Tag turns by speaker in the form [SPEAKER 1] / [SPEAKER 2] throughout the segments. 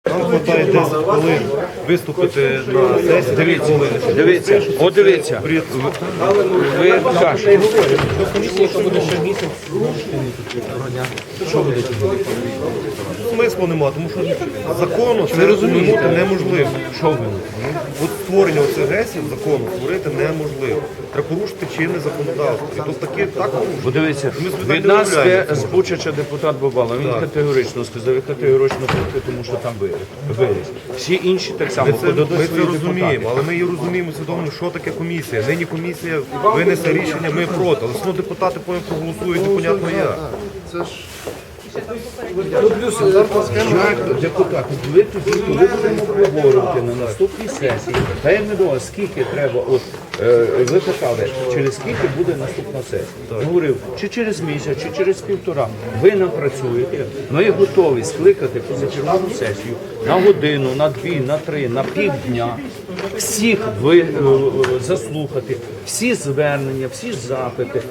[SPEAKER 1] Нам хватає 10 хвилин виступити на сесії.
[SPEAKER 2] Дивіться, от дивіться, ви кажете,
[SPEAKER 1] Смислу нема, тому що закону це розуміти неможливо. Що ви? От створення оцих гесів закону створити неможливо. Треба порушити чинне законодавство. І тут таке так порушують.
[SPEAKER 2] подивіться,
[SPEAKER 1] Ми з
[SPEAKER 2] від нас
[SPEAKER 1] домовляємося.
[SPEAKER 2] з Бучача депутат Бабала, він категорично сказав, я категорично проти, тому що там виріс. Всі інші так само
[SPEAKER 1] Ми
[SPEAKER 2] подадуть
[SPEAKER 1] це
[SPEAKER 2] свої
[SPEAKER 1] розуміємо,
[SPEAKER 2] депутати.
[SPEAKER 1] але ми її розуміємо свідомо, що таке комісія. Нині комісія винесе рішення, ми проти. Але все одно депутати потім проголосують, непонятно як.
[SPEAKER 2] Як депутат, ви тоді, коли будемо обговорювати на наступній сесії, та я не думаю, скільки треба, от ви питали, через скільки буде наступна сесія. Я говорив, чи через місяць, чи через півтора. Ви напрацюєте, ми готові скликати позачергову сесію на годину, на дві, на три, на півдня. Всіх заслухати, всі звернення, всі запити,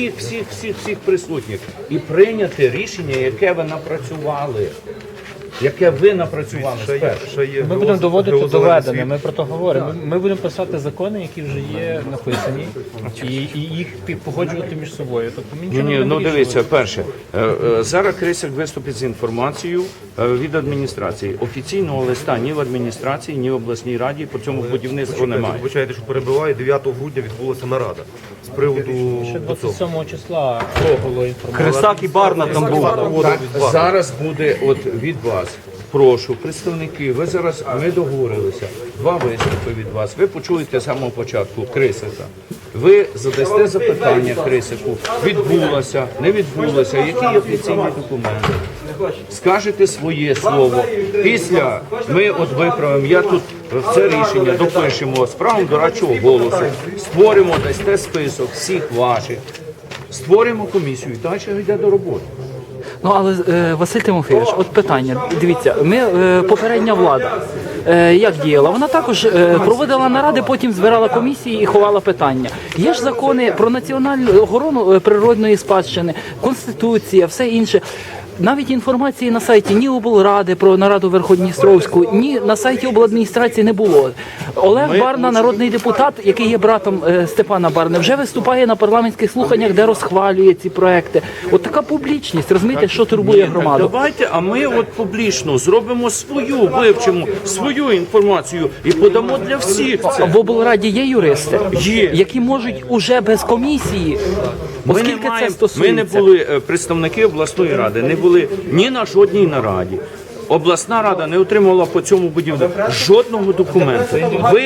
[SPEAKER 2] всіх присутніх і прийняти рішення, яке ви напрацювали. Яке ви напрацювали спершу.
[SPEAKER 3] Ми будемо доводити доведене, ми про то говоримо. Ми будемо писати закони, які вже є написані, і їх погоджувати між собою. Тобто ми нічого не
[SPEAKER 2] Ні,
[SPEAKER 3] будемо
[SPEAKER 2] ну
[SPEAKER 3] вирішувати.
[SPEAKER 2] дивіться, перше, зараз Крисяк виступить з інформацією від адміністрації. Офіційного листа ні в адміністрації, ні в обласній раді по цьому будівництву немає.
[SPEAKER 1] Вибачайте, що перебиваю, 9 грудня відбулася нарада з приводу
[SPEAKER 3] Ще
[SPEAKER 1] цього.
[SPEAKER 3] 27 числа було інформація.
[SPEAKER 4] Крестак і Барна там був.
[SPEAKER 2] Так, зараз буде от від вас. Прошу, представники, ми договорилися. 2 виступи від вас. Ви почуєте з самого початку Крисика. Ви задасте запитання Крисику. Відбулося, не відбулося, які офіційні документи. Скажете своє слово. Після ми от виправимо, я тут в це рішення допишемо з правом дорадчого голосу, створимо, дасте список всіх ваших, створимо комісію і далі йде до роботи.
[SPEAKER 4] Ну але Василь Тимофійович, от питання. Дивіться, попередня влада як діяла? Вона також проводила наради, потім збирала комісії і ховала питання. Є ж закони про національну охорону природної спадщини, конституція, все інше. Навіть інформації на сайті ні облради про нараду Верхньодністровську, ні на сайті обладміністрації не було. Олег Барна, народний депутат, який є братом Степана Барни, вже виступає на парламентських слуханнях, де розхвалює ці проекти. От така публічність, розумієте, що турбує громаду.
[SPEAKER 2] Давайте, а ми от публічно зробимо вивчимо свою інформацію і подамо для всіх це.
[SPEAKER 4] В облраді є юристи,
[SPEAKER 2] Є.
[SPEAKER 4] які можуть уже без комісії, оскільки це
[SPEAKER 2] Ми
[SPEAKER 4] стосується.
[SPEAKER 2] не були представники обласної ради, не були ні на жодній нараді. Обласна рада не отримувала по цьому будівництву жодного документу.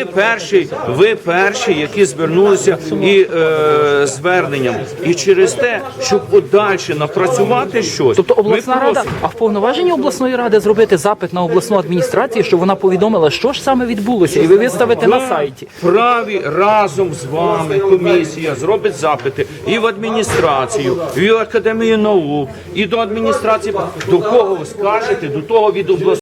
[SPEAKER 2] Ви перші, які звернулися і зверненням. І через те, щоб подальше напрацювати щось.
[SPEAKER 4] Тобто обласна
[SPEAKER 2] ми
[SPEAKER 4] рада,
[SPEAKER 2] просимо.
[SPEAKER 4] а в повноваженні обласної ради зробити запит на обласну адміністрацію, щоб вона повідомила, що ж саме відбулося, і ви виставите на сайті.
[SPEAKER 2] Праві разом з вами комісія зробить запити і в адміністрацію, і в Академію наук, і до адміністрації. До кого ви скажете, до того від обласної.